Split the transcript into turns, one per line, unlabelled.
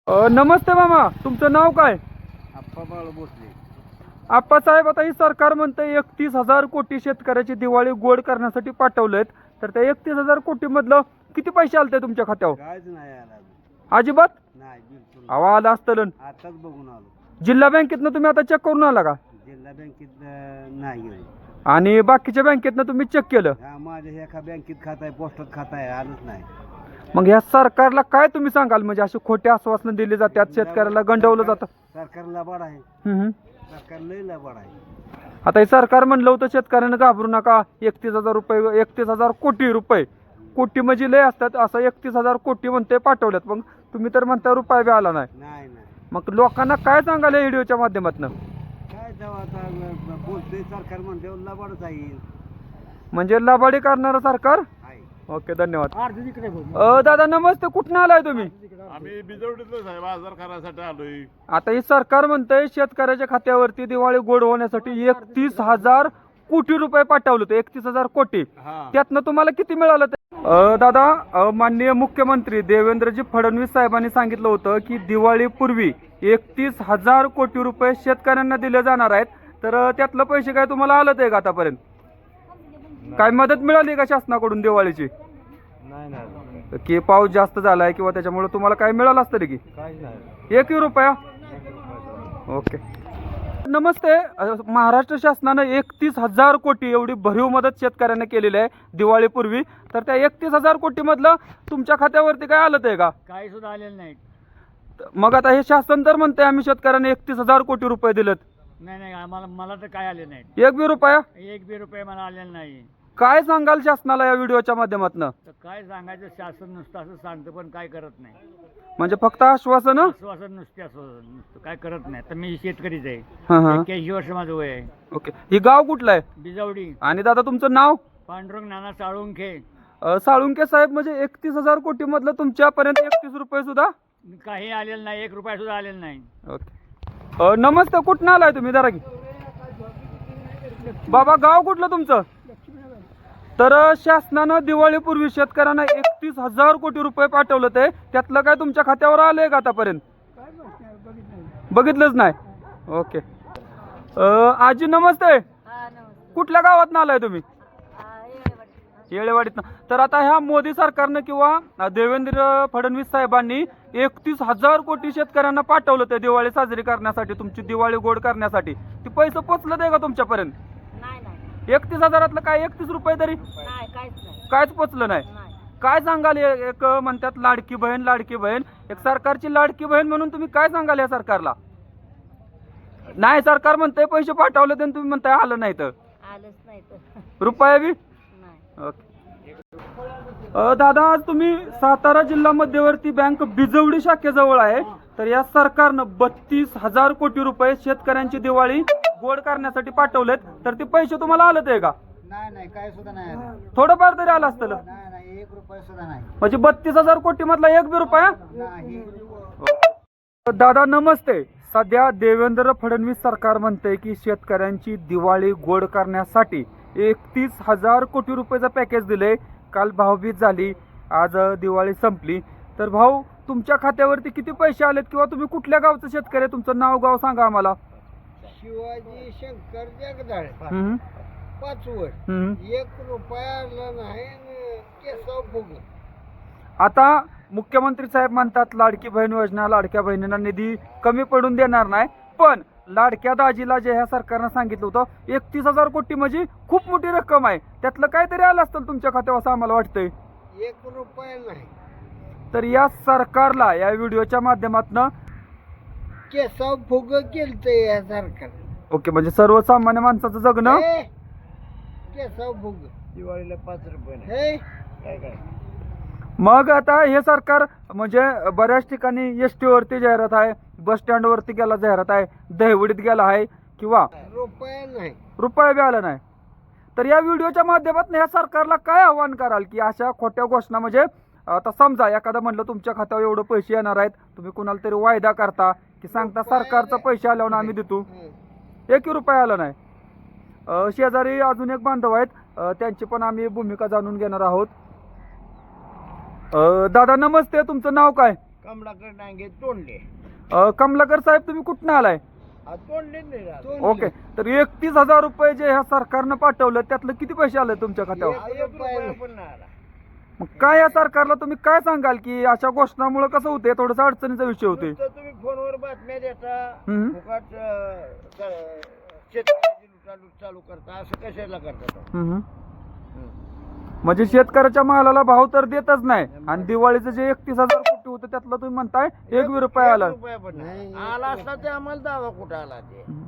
नमस्ते मामा, तुमचं नाव काय?
आप्पा बाळ भोसले.
आप्पासाहेब, आता ही सरकार म्हणतं 31,000 कोटी शेतकऱ्याची दिवाळी गोड करण्यासाठी पाठवलेत. तर त्या 31,000 कोटी मधलं किती पैसे आलते तुमच्या खात्यावर?
कायच नाही आला अजून.
अजिबात?
नाही बिलकुल.
अहो, आला असतं.
आताच बघून आलो.
जिल्हा बँकेतनं तुम्ही आता चेक करून आला का?
जिल्हा बँकेत नाही गेलो.
आणि बाकीच्या बँकेतनं तुम्ही चेक केलं?
हा, माझ्या एका बँकेत खाता आहे, पोस्टात खाता आहे, आलंच नाही.
मग ह्या सरकारला काय तुम्ही सांगाल? म्हणजे अशी खोटी आश्वासनं दिली जातात, शेतकऱ्याला गंडवलं जातं.
सरकार लबाड आहे.
हम्म.
सरकार लय लबाड आहे.
आता हे सरकार म्हणलं होतं शेतकऱ्यांना घाबरू नका, 31,000 रुपये, 31,000 कोटी रुपये, कोटी म्हणजे लय असतात, असं 31,000 कोटी म्हणते पाठवल्यात. मग तुम्ही तर म्हणता रुपया बी आला नाही.
नाही नाही.
मग लोकांना काय सांगाल या व्हिडिओच्या माध्यमातून?
काय जेव्हा आता बोलतोय सरकार म्हणते लबाडच आहे.
म्हणजे लबाडी करणारं सरकार.
आहे.
ओके, धन्यवाद. दादा नमस्ते, कुठून आलाय तुम्ही?
आम्ही बिजवडीतलं साहेब बाजार करायसाठी आलोय.
आता हे सरकार म्हणतंय शेतकऱ्याच्या खात्यावरती दिवाळी गोड होण्यासाठी 31,000 कोटी रुपये पाठवले होते. 31,000 कोटी.
हा.
त्यातनं तुम्हाला किती मिळालं ते? दादा, माननीय मुख्यमंत्री देवेंद्रजी फडणवीस साहेबांनी सांगितलं होतं की दिवाळीपूर्वी 31,000 कोटी रुपये शेतकऱ्यांना दिले जाणार आहेत. तर त्यातलं पैसे काय तुम्हाला आलं ते का आतापर्यंत? काय मदत मिळाली का शासनाकडून दिवाळीची?
नाही नाही.
की पाऊस जास्त झालाय किंवा त्याच्यामुळे तुम्हाला काय मिळालं असतं की?
काहीच नाही.
1 रुपया? ओके. नमस्ते. महाराष्ट्र शासनानं 31,000 कोटी एवढी भरीव मदत शेतकऱ्यांना केलेली आहे दिवाळीपूर्वी. तर त्या 31,000 कोटी मधलं तुमच्या खात्यावरती काय आलं ते का?
काही सुद्धा आलेलं नाही.
मग आता हे शासन तर म्हणते आम्ही शेतकऱ्यांना 31,000 कोटी रुपये दिलेत.
नाही आम्हाला मला तर काय आले नाही.
1 रुपया?
एक बी रुपये मला आलेला नाही.
काय सांगाल शासनाला या व्हिडिओच्या माध्यमातून?
तर काय सांगायचं, शासन नुसतं असं सांगतं पण काय करत नाही.
म्हणजे फक्त आश्वासन?
आश्वासन नुसते असं नुसतं काय करत नाही. तर मी शेतकरीच आहे.
हा हा.
81 वर्ष माझं वय आहे.
ओके. ही गाव कुठलं आहे?
बिजवडी.
आणि दादा तुमचं नाव?
पांडुरंग नाना साळुंखे.
साळुंके साहेब, म्हणजे 31,000 कोटी मधलं तुमच्यापर्यंत 31 रुपये सुद्धा
काही आलेलं नाही. 1 रुपया सुद्धा आलेला नाही.
ओके. नमस्ते, कुठं आलाय तुम्ही? जरा की बाबा, गाव कुठलं तुमचं? तर शासनानं दिवाळीपूर्वी शेतकऱ्यांना 31,000 कोटी रुपये पाठवलं ते, त्यातलं काय तुमच्या खात्यावर आलंय का आतापर्यंत? बघितलंच नाही. ओके. आजी नमस्ते, कुठल्या गावात आलाय तुम्ही? येळेवाडीत. तर आता ह्या मोदी सरकारनं किंवा देवेंद्र फडणवीस साहेबांनी 31,000 कोटी शेतकऱ्यांना पाठवलं ते दिवाळी साजरी करण्यासाठी, तुमची दिवाळी गोड करण्यासाठी. ती पैसे पोचलं ते का तुमच्यापर्यंत? 31,000 काय 31 रुपये तरी कायच पोचलं नाही. काय सांगाल? एक म्हणतात लाडकी बहीण, एक सरकारची लाडकी बहीण म्हणून तुम्ही काय सांगाल या सरकारला? नाही, सरकार म्हणतंय पैसे पाठवले तर तुम्ही म्हणताय आलं नाही. तर रुपया बी? ओके. दादा, आज तुम्ही सातारा जिल्हा मध्यवर्ती बँक बिजवडी शाखेजवळ आहे. तर या सरकारनं 32,000 कोटी रुपये शेतकऱ्यांची दिवाळी गोड करण्यासाठी पाठवलेत. तर ते पैसे तुम्हाला आलं ते का?
नाही काय सुद्धा नाही.
थोडंफार तरी आलं असतं.
नाही 1 रुपया सुद्धा नाही.
म्हणजे 32,000 कोटी मधला 1 बी रुपया
नाही.
दादा नमस्ते. सध्या देवेंद्र फडणवीस सरकार म्हणते की शेतकऱ्यांची दिवाळी गोड करण्यासाठी 31,000 कोटी रुपयाचं पॅकेज दिले. काल भाऊबीज झाली, आज दिवाळी संपली. तर भाऊ, तुमच्या खात्यावरती किती पैसे आलेत किंवा तुम्ही कुठल्या गावचं शेतकरी? तुमचं नाव गाव सांगा आम्हाला.
शिवाजी शंकर जगदाळे. 5 वर 1 रुपया आला नाही. केसव फुग.
आता मुख्यमंत्री साहेब म्हणतात लाडकी बहीण योजना, लाडक्या बहिणींना निधी कमी पडून देणार नाही. पण लाडक्या दाजीला जे ह्या सरकारनं सांगितलं होतं 31,000 कोटी म्हणजे खूप मोठी रक्कम आहे. त्यातलं काहीतरी आलं असतं तुमच्या खात्यावर असं आम्हाला वाटतंय.
1 रुपया नाही.
तर या सरकारला या व्हिडिओच्या माध्यमातून
केसव फुग केलतंय या सरकार.
ओके, म्हणजे सर्वसामान्य माणसाचं जगणं.
केसव फुग. दिवाळीला 5 रुपये नाही. काय
मग आता हे सरकार म्हणजे बऱ्याच ठिकाणी एसटी वरती जाहिरात आहे, बस स्टँड वरती गेला जाहिरात आहे, दहिवडीत गेला आहे किंवा
रुपया नाही.
रुपया बी आला नाही. तर या व्हिडिओच्या माध्यमातून या सरकारला काय आव्हान कराल की अशा खोट्या घोषणा, म्हणजे आता समजा एखादा म्हणलं तुमच्या खात्यावर एवढं पैसे येणार आहेत, तुम्ही कुणाला तरी वायदा करता की सांगता सरकारचा पैसे आल्यावर आम्ही देतो, 1 रुपया आला नाही. शेजारी अजून एक बांधव आहेत, त्यांची पण आम्ही भूमिका जाणून घेणार आहोत. दादा नमस्ते, तुमचं नाव काय?
कमलाकर डांगे तोंडले
कमलाकर साहेब तुम्ही कुठनं आलाय?
तोंडले नाही राहत.
ओके, तर 31,000 रुपये जे ह्या सरकारनं पाठवलं त्यातलं किती पैसे आले तुमच्या खात्यावर?
एक रुपया पण नाही आला.
मग काय या सरकारला तुम्ही काय सांगाल की अशा घोषणामुळे कसं होते? थोडस अडचणीचा विषय होते.
नुसतं तुम्ही फोनवर बातम्या देता
हम्म.
फुकट शेतकऱ्याची लुटालूट चालू करता असं कशाला करता तो?
हम्म. म्हणजे शेतकऱ्याच्या मालाला भाव तर देतच नाही आणि दिवाळीचं जे 31,000 कोटी होतं त्यातलं तुम्ही म्हणताय 1 रुपया आला.
एक रुपया पण नाही आला असता ते आम्हाला दावा कुठं आला ते